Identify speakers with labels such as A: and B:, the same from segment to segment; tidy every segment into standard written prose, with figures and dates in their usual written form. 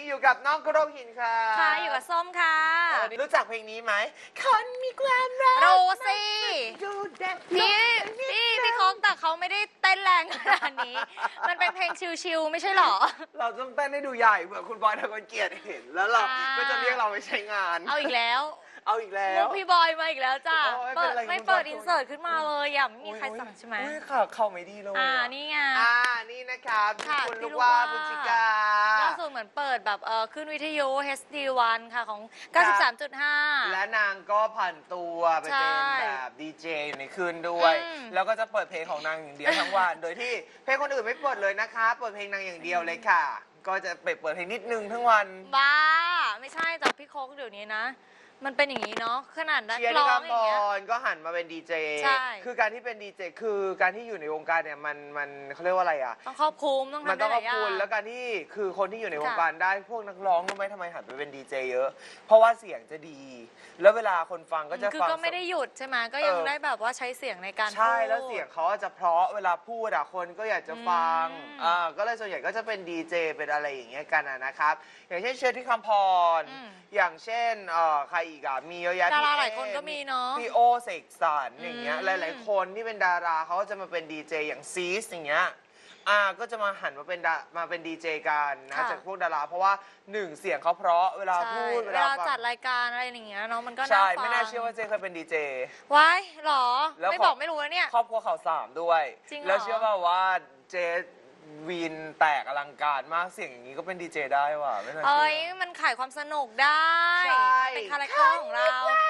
A: อยู่กับน้องกระโดงหินค่ะ
B: ค่ะอยู่กับส้มค่ะ
A: รู้จักเพลงนี้ไหมคนมีความรัก
B: รู้สิ
A: ดูแดด
B: พี่โค้งแต่เขาไม่ได้เต้นแรงขนาดนี้ มันเป็นเพลงชิลๆไม่ใช่หรอ
A: เราต้องเต้นให้ดูใหญ่เผื่อคุณบอยทะกลเกียรติเห็นแล้วเราก็จะเรียกเราไปใช้งาน
B: เอาอีกแล้ว
A: เอาอีกแล้
B: ลู
A: ว
B: กพี่บอยมาอีกแล้วจ้ะ
A: โอ้ย
B: เปิด
A: เป็นไร
B: ไม่เปิดอินเสิร์ตขึ้นมาเลยอ่ะไม่มีใครสั่งใช่ไหม
A: อุ้ยค่ะเข้าไม่ดีเลย
B: นี่ไง
A: นี่นะครับ
B: ค่ะ
A: คุณ
B: พี่
A: ลูก
B: ลูก
A: ว่า
B: ว่า
A: บุญจิกา
B: ล่าสุดเหมือนเปิดแบบขึ้นวิทยุ HD1 ค่ะของ 93.5
A: และนางก็ผ่านตัวไป
B: ใช่
A: เป็นแบบดีเจอยู่ในคืนด้วย แล้วก็จะเปิดเพลงของนางอย่างเดียวทั้งวัน โดยที่เพลงคนอื่นไม่เปิดเลยนะคะเปิดเพลงนางอย่างเดียวเลยค่ะ ก็จะเปิดเพลงนิดนึงทั้งวัน
B: บ้าไม่ใช่แต่พี่โค้กเดี๋ยวนี้นะ มันเป็นอย่างนี้เนาะขนาดนัก
A: เชียร์
B: ร้
A: ที่
B: อง
A: คำ
B: อ
A: พ
B: ย่างเงี้ย
A: รก็หันมาเป็นดีเจ
B: ใช่
A: คือการที่เป็นดีเจคือการที่อยู่ในวงการเนี่ยมันเขาเรียกว่าอะไรอ่ะ
B: ต้องครอบคลุมต้อง
A: มัน
B: ทำ
A: ต้
B: ได้
A: อง
B: ห
A: ข
B: ลา
A: อย บ
B: อย่า
A: คุณ
B: ง
A: แล้วการที่คือคนที่อยู่ในวงการได้พวกนักร้องรู้ไหมทำไมหันไปเป็นดีเจเยอะ เพราะว่าเสียงจะดี แล้วเวลาคนฟังก็จะ
B: คือ
A: ฟัง
B: ก็ไม่ได้หยุดใช่ไหมก็ยังได้แบบว่าใช้เสียงในการพูด
A: ใช่แล้วเสียงเขาจะเพราะเวลาพูดอะคนก็อยากจะฟัง ก็เลยส่วนใหญ่ก็จะเป็นดีเจเป็นอะไรอย่างเงี้ยกันนะครับ อย่างเช่นเชอร์ที่คำพร อย่างเช่นใครอีกอะมีเยอะแยะ
B: ดาราหลายคนก็มีเนาะ
A: พี่โอเสกสรรอย่างเงี้ยหลายๆคนที่เป็นดาราเขาก็จะมาเป็นดีเจอย่างซีสอย่างเงี้ยก็จะมาหันมาเป็นดีเจกันนะจากพวกดาราเพราะว่าหนึ่งเสียงเขาเพราะเวลาพูด
B: เวลาจัดรายการอะไรอย่างเงี้ยเนาะมันก็น่า
A: ใช่
B: ฟัง
A: ไม่น่าเชื่อว่าเจเคยเป็นดีเจ
B: ว้ายหรอ
A: แล้ว
B: ไม่บอกไม่รู้นะเนี่ย
A: ครอบครัวข่าวสามด้วย
B: จริงเหรอ
A: แล้วเชื่อป่าว่าเจวีนแตกอลังการมากเสียงอย่างนี้ก็เป็นดีเจได้ว่ะไม่น่าเชื่
B: เอ้ย
A: อ
B: มันขายความสนุกได้
A: ใช่
B: เป็นคาแรคเตอร์ของเรา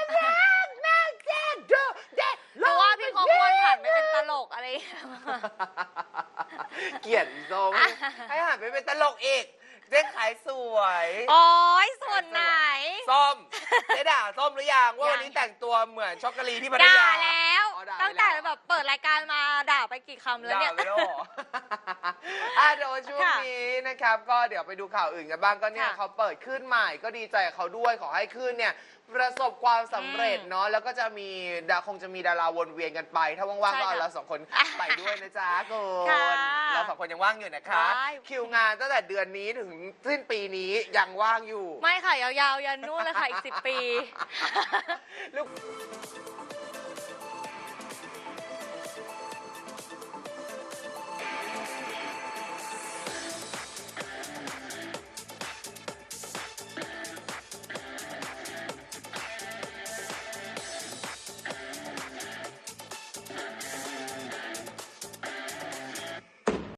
A: ห
B: หรือว่าพี่เขาควรผันไปเป็นตลกอะไรอย่างเงี้ย
A: เกลียดโซมให้หันไปเป็นตลกอีกเจ๊ขายสวย
B: โอ้ยส่วนไหน
A: ส้มเจ๊ด่าส้มหรือยังว่า
B: ยัง
A: วันนี้แต่งตัวเหมือนช็อกโกแลตที่พัท
B: ด่าย
A: า
B: แล้ว
A: อ๋อด่าไป
B: ตั้งแต่
A: ล้ว
B: แบบเปิดรายการมาด่าไปกี่คำแล้วเนี่ย
A: ด่าไปแล้วเหรอ เดี๋ยวช่วงนี้นะครับ ก็เดี๋ยวไปดูข่าวอื่นกันบ้างก็เนี่ย
B: ค่ะ
A: เขาเปิดขึ้นใหม่ก็ดีใจกับเขาด้วยขอให้ขึ้นเนี่ยประสบความสำเร็จเนาะแล้วก็จะมีคงจะมีดาราวนเวียนกันไป ถ้าว่างๆก็เอาเราสองคนไปด้วยนะจ๊ะคุณ
B: ค่ะ
A: เราสองคนยังว่างอยู่นะคะ
B: ได้
A: คิวงานตั้งแต่เดือนนี้ถึงสิ้นปีนี้ยังว่างอยู่
B: ไม่ค่ะยาวๆยันนู่นเลยค่ะอีก10 ปี
A: ลูก